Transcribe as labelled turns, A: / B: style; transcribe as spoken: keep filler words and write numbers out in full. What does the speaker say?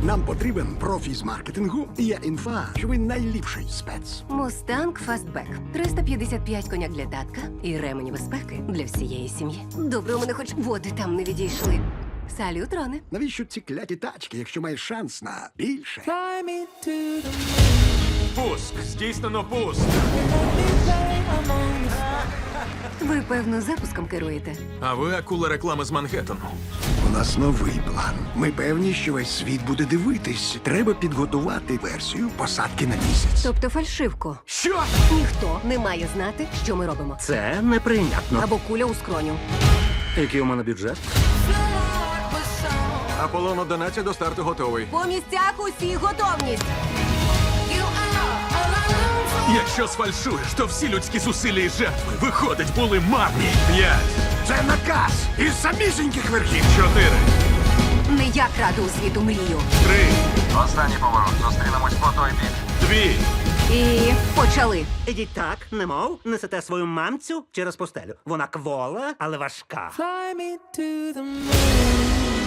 A: Нам потрібен профі з маркетингу. Є інфа, що ви найліпший спец.
B: Мустанг Фастбек. триста п'ятдесят п'ять коняк для татка і ремені безпеки для всієї сім'ї. Добре, у мене хоч води там не відійшли. Салют, Роне.
A: Навіщо ці кляті тачки, якщо маєш шанс на більше?
C: Fly me to the
D: Пуск! Здійснено пуск!
B: Ви, певно, запуском керуєте.
D: А ви акула реклами з Манхеттену.
A: У нас новий план. Ми певні, що весь світ буде дивитись. Треба підготувати версію посадки на місяць.
B: Тобто фальшивку.
D: Що?
B: Ніхто не має знати, що ми робимо.
E: Це неприйнятно.
B: Або куля у скроню.
E: Який у мене бюджет?
D: Аполлон одинадцять до старту готовий.
B: По місцях усі готовність.
D: Якщо сфальшуєш, то всі людські зусилля і жертви, виходить, були марні. П'ять,
A: Це наказ із самісіньких верхів.
D: чотири,
B: Не я краду у світу мрію.
D: три,
F: Останній поворот. Зустрінемось по той бік.
D: дві.
B: І почали.
E: Ідіть так, немов, несете свою мамцю через постелю. Вона квола, але важка.
C: Fly me to the moon.